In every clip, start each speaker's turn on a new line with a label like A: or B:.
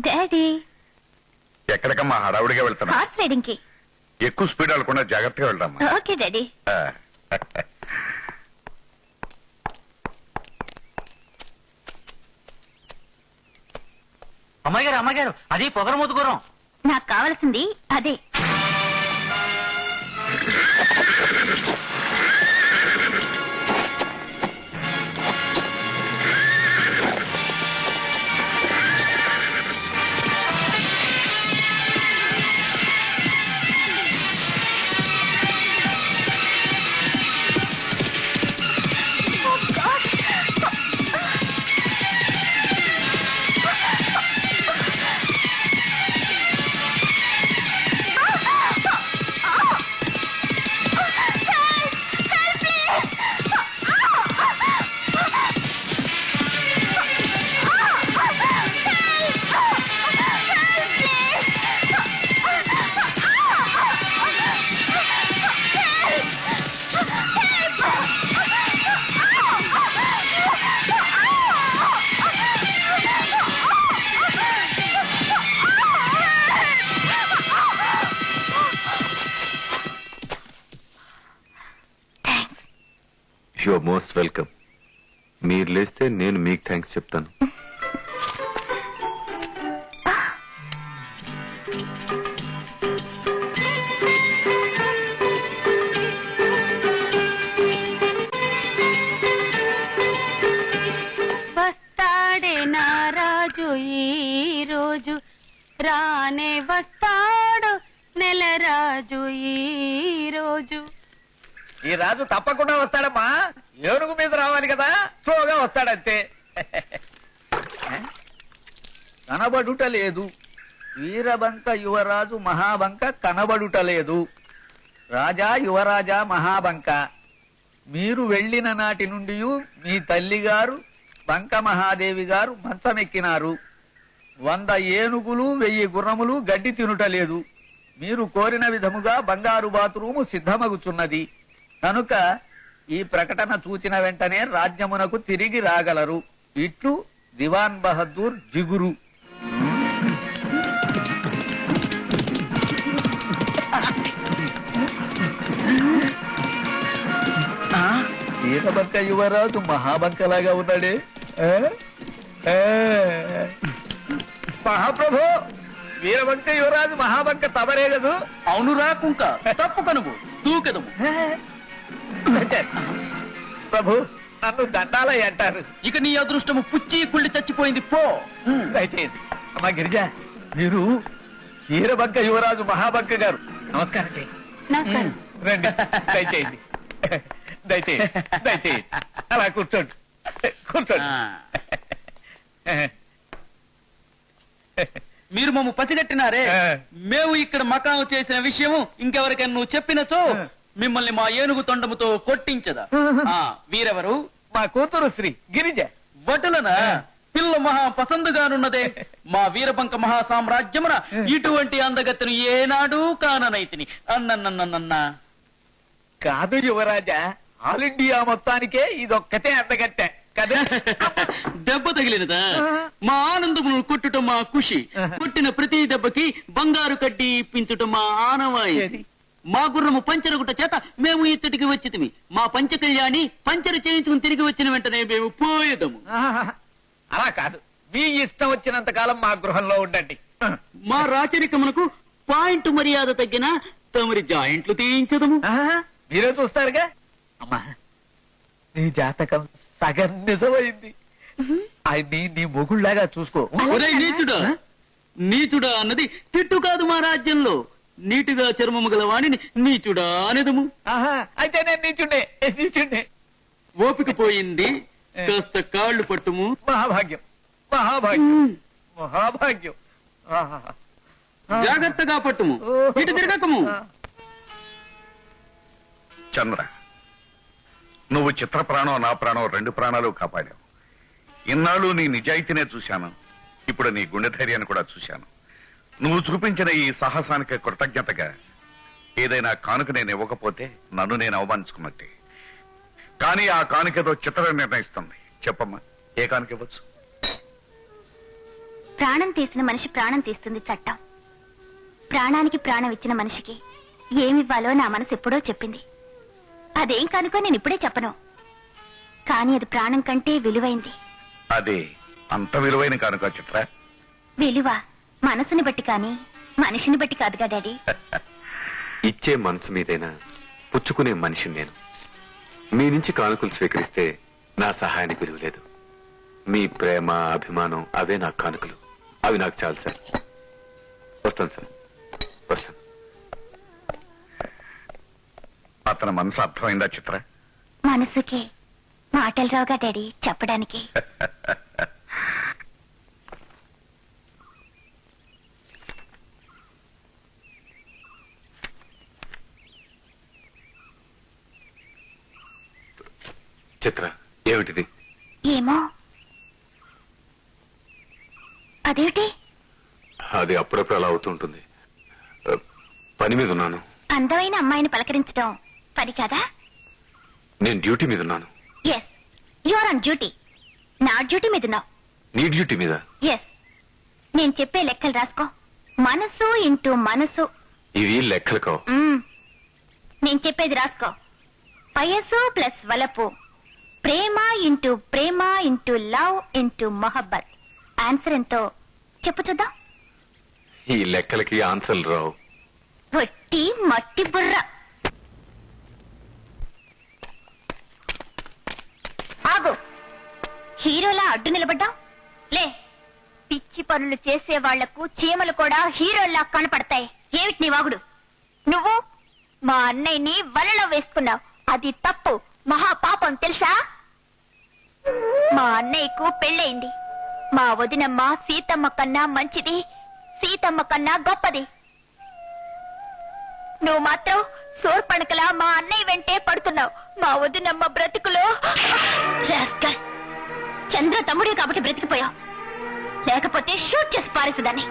A: Daddy
B: ఎక్కడికమ్మా హడావుడిగా వెళ్తున్నా?
A: Horse riding కి.
B: ఎక్కువ స్పీడ్ వెళ్ళకుండా జాగ్రత్తగా వెళ్దామా?
A: Okay daddy.
C: అమ్మాయి గారు అది పొగరమూతు గురం.
A: నాకు కావలసింది అదే.
D: You are most welcome. మీరు లేస్తే నేను మీకు థ్యాంక్స్ చెప్తాను.
E: వస్తాడే నా రాజు ఈ రోజు, రానే వస్తాడు నెల రాజు ఈ రోజు.
C: ఈ రాజు తప్పకుండా వస్తాడమ్మా. ఏనుగు మీద రావాలి కదా, స్లోగా వస్తాడంతే. కనబడుట లేదు వీరబంక యువరాజు మహాబంక కనబడుట లేదు. రాజా యువరాజా మహాబంక, మీరు వెళ్లిన నాటి నుండి మీ తల్లిగారు బంక మహాదేవి గారు మంచమెక్కినారు. 100 ఏనుగులు 1000 గుర్రములు గడ్డి తినుట లేదు. మీరు కోరిన విధముగా బంగారు బాతురూము సిద్ధమగుచున్నది కనుక ఈ ప్రకటన చూచిన వెంటనే రాజ్యమునకు తిరిగి రాగలరు. ఇట్లు దివాన్ బహదూర్ జిగురు. వీరబంక యువరాజు మహాబంకలాగా ఉన్నాడే. మహాప్రభు, వీరబంక యువరాజు మహాబంక తమరే కదూ? అవునురా కుంక, తప్పు కనుము తూకెదము. ప్రభు, నన్ను దండాలయ్య అంటారు. ఇక నీ అదృష్టము పుచ్చి కుళ్ళి చచ్చిపోయింది పో. దయచేయండి. అమ్మా గిరిజ, మీరు వీరబంక యువరాజు మహాబంక గారు. నమస్కారం చేయండి.
A: నమస్కారం.
C: రండి, దయచేయండి దయచేయండి దయచేయండి. అలా కూర్చోండి కూర్చోండి.
F: మీరు మమ్మ పసిగట్టినారే. మేము ఇక్కడ మకాం చేసిన విషయము ఇంకెవరికైనా నువ్వు చెప్పినచో మిమ్మల్ని మా ఏనుగు తొండముతో కొట్టించదా. వీరెవరు?
C: మా కూతురు శ్రీ గిరిజ.
F: వటులనా? పిల్ల మహా పసందుగానున్నదే. మా వీరబంక మహా సామ్రాజ్యమున ఇటువంటి అందగత్తెను ఏనాడు కాననైతిని. అన్నన్నన్నన్నా
C: కాదు యువరాజా, ఆల్ ఇండియా మొత్తానికే ఇదొక్కటే అందగత్తె కదా.
F: దెబ్బ తగిలినదా? మా ఆనందమును కొట్టుట మా ఖుషి. కొట్టిన ప్రతి దెబ్బకి బంగారు కడ్డీ ఇప్పించుట మా ఆనవాయి. మా గుర్రము పంచరగుట చేత మేము ఇచ్చటికి వచ్చితిమి. మా పంచకళ్యాణి పంచర చేయించుకుని తిరిగి వచ్చిన వెంటనే మేము పోయేదము.
C: అలా కాదు, మీ ఇష్టం వచ్చినంత కాలం మా గృహంలో ఉండండి.
F: మా రాచరికమునకు పాయింట్ మర్యాద తగ్గిన తమరి జాయింట్లు తీయించదము.
C: మీరే చూస్తారుగా. అమ్మా, నీ జాతకం సగం నిజమైంది. ఆయన్ని నీ మొగుళ్లాగా చూసుకో.
F: నీచుడా నీచుడా అన్నది తిట్టు కాదు. మా రాజ్యంలో నీటుగా చర్మము గల వాణిని నీచుడా అనేదము.
C: అయితే నేను నీచుండే.
F: ఓపిక పోయింది, కాస్త కాళ్ళు పట్టుము.
C: మహాభాగ్యం మహాభాగ్యం మహాభాగ్యం.
F: జాగ్రత్తగా పట్టుము, ఇటు తిరగకము.
B: చంద్ర, నువ్వు చిత్ర ప్రాణం నా ప్రాణం 2 ప్రాణాలు కాపాడావు. ఇన్నాళ్ళు నీ నిజాయితీనే చూశాను, ఇప్పుడు నీ గుండె ధైర్యాన్ని కూడా చూశాను. నువ్వు చూపించిన ఈ సాహసానికి కృతజ్ఞతగా ఏదైనా కానుక నేను ఇవ్వకపోతే నన్ను నేను అవమానించుకున్నట్టే. కానీ ఆ కానుకేదో చిత్ర నిర్ణయిస్తుంది. చెప్పమ్మా, ఏ కానుక ఇవ్వచ్చు?
A: ప్రాణం తీసిన మనిషి ప్రాణం తీస్తుంది చట్టం. ప్రాణానికి ప్రాణం ఇచ్చిన మనిషికి ఏమివ్వాలో నా మనసు ఎప్పుడో చెప్పింది. అదేం కనుకో నేను ఇప్పుడే చెప్పను. కానీ అది ప్రాణం కంటే విలువైంది.
B: అదే అంత విలువైన కానుక చిత్ర.
A: విలువ మనసుని బట్టి కానీ మనిషిని బట్టి కాదుగా డాడీ.
D: ఇచ్చే మనసు మీదైనా పుచ్చుకునే మనిషిని నేను. మీ నుంచి కానుకలు స్వీకరిస్తే నా సహాయానికి విలువ లేదు. మీ ప్రేమ అభిమానం అవే నాకు కానుకలు. అవి నాకు చాలు సార్. వస్తాను సార్, వస్తాను.
B: అతని మనసు అర్థమైందా చిత్ర?
A: మనసుకి మాటలు రావుగా డాడీ చెప్పడానికి.
D: చిత్ర, ఏమిటిది?
A: ఏమో. అదేమిటి?
D: అది అప్పుడప్పుడు అలా అవుతూ ఉంటుంది. పని మీద ఉన్నాను.
A: అందమైన అమ్మాయిని పలకరించడం పని కదా?
D: నేను డ్యూటీ మీద ఉన్నాను.
A: Yes, you are on duty. నా డ్యూటీ మీద ఉన్నావు.
D: నీ డ్యూటీ మీద?
A: ఎస్. నేను చెప్పే లెక్కలు రాసుకో. మనసు ఇంటూ మనసు.
D: ఇవి లెక్కలు కావు.
A: నేను చెప్పేది రాసుకో. వయసు ప్లస్ వలపు, ప్రేమ ఇంటూ ప్రేమ ఇంటూ లవ్ ఇంటూ మొహబ్బత్. ఆన్సర్ ఎంతో చెప్పు చూద్దాం.
D: ఈ లెక్కలకి ఆన్సర్లు రావు.
A: వట్టి మట్టి బుర్ర. ఆగు. హీరోలా అడ్డు నిలబడ్డా లే. పిచ్చి పనులు చేసే వాళ్లకు చీమలు కూడా హీరోల్లా కనపడతాయి. ఏమిటి నీ వాగుడు? నువ్వు మా అన్నయ్యని వలలో వేసుకున్నావు. అది తప్పు, మహాపాపం తెలుసా? మా అన్నయ్యకు పెళ్ళయింది. మా వదినమ్మ సీతమ్మ కన్నా మంచిది, సీతమ్మ కన్నా గొప్పది. నువ్వు మాత్రం సోర్పణకలా మా అన్నయ్య వెంటే పడుతున్నావు. మా వదినమ్మ బ్రతుకులో చంద్ర తమ్ముడే కాబట్టి బ్రతికిపోయావు. లేకపోతే షూట్ చేసి పారేసేదాన్ని.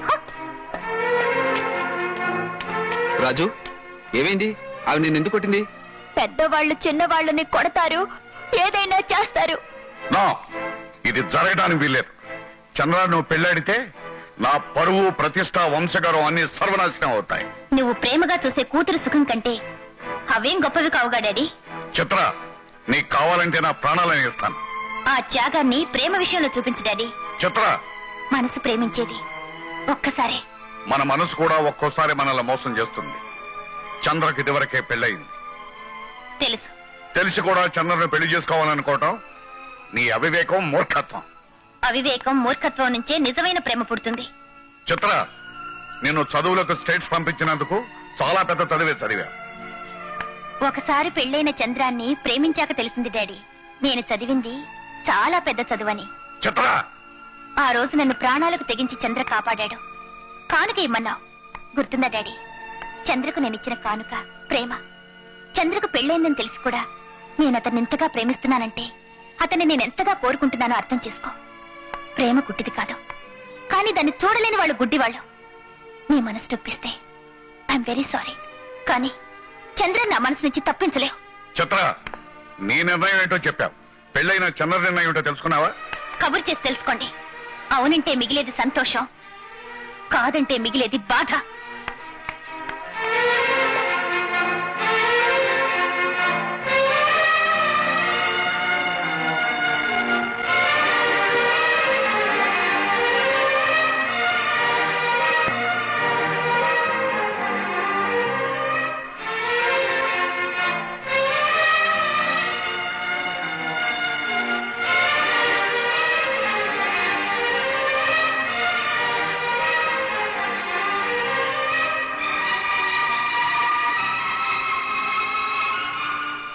C: రాజు, ఏమైంది? ఆవిడ నిన్ను ఎందుకు కొట్టింది?
A: పెద్దవాళ్ళు చిన్నవాళ్ళని కొడతారు, ఏదైనా చేస్తారు.
B: నో, ఇది జరగడానికి వీల్లేదు. చంద్ర, నువ్వు పెళ్ళాడితే నా పరువు, ప్రతిష్ట, వంశగౌరవం అన్ని సర్వనాశనం అవుతాయి.
A: నువ్వు ప్రేమగా చూసే కూతురు సుఖం కంటే అవేం గొప్పవి కావుగా డాడీ.
B: చిత్ర, నీకు కావాలంటే నా ప్రాణాలను ఇస్తాను.
A: ఆ త్యాగాన్ని ప్రేమ విషయంలో చూపించు డాడీ.
B: చిత్ర,
A: మనసు ప్రేమించేది ఒక్కసారి.
B: మన మనసు కూడా ఒక్కోసారి మనల్ని మోసం చేస్తుంది. చంద్రకి ఇదివరకే పెళ్ళయింది.
A: తెలుసు.
B: తెలిసి కూడా చంద్రను పెళ్లి చేసుకోవాలనుకోవటం నీ అవివేకం, మూర్ఖత్వం.
A: అవివేకం, మూర్ఖత్వం నుంచే నిజమైన ప్రేమ పుడుతుంది.
B: చిత్ర, నేను చదువులకు స్టేట్స్ పంపించినందుకు చాలా పెద్ద చదివా.
A: ఒకసారి పెళ్ళైన చంద్రాన్ని ప్రేమించాక తెలిసింది డాడీ, నేను చదివింది చాలా పెద్ద చదువని.
B: చిత్ర,
A: ఆ రోజు నన్ను ప్రాణాలకు తెగించి చంద్ర కాపాడాడు. కానుక ఇమ్మన్నావు, గుర్తుందా డాడీ? చంద్రకు నేనిచ్చిన కానుక ప్రేమ. చంద్రకు పెళ్ళైందని తెలిసి కూడా నేను అతన్ని ఇంతగా ప్రేమిస్తున్నానంటే అతన్ని నేనెంతగా కోరుకుంటున్నానో అర్థం చేసుకో. ప్రేమ గుడ్డిది కాదు, కానీ దాన్ని చూడలేని వాళ్ళు గుడ్డివాళ్ళు. నీ మనసు నొప్పిస్తే ఐఎమ్ వెరీ సారీ, కానీ చంద్ర నా మనసు నుంచి తప్పించలేవు.
B: చిత్ర, నీ నిర్ణయం ఏంటో చెప్పావు. పెళ్ళైన చంద్ర నిర్ణయం ఏంటో తెలుసుకున్నావా?
A: కబురు చేసి తెలుసుకోండి. అవునంటే మిగిలేది సంతోషం, కాదంటే మిగిలేది బాధ.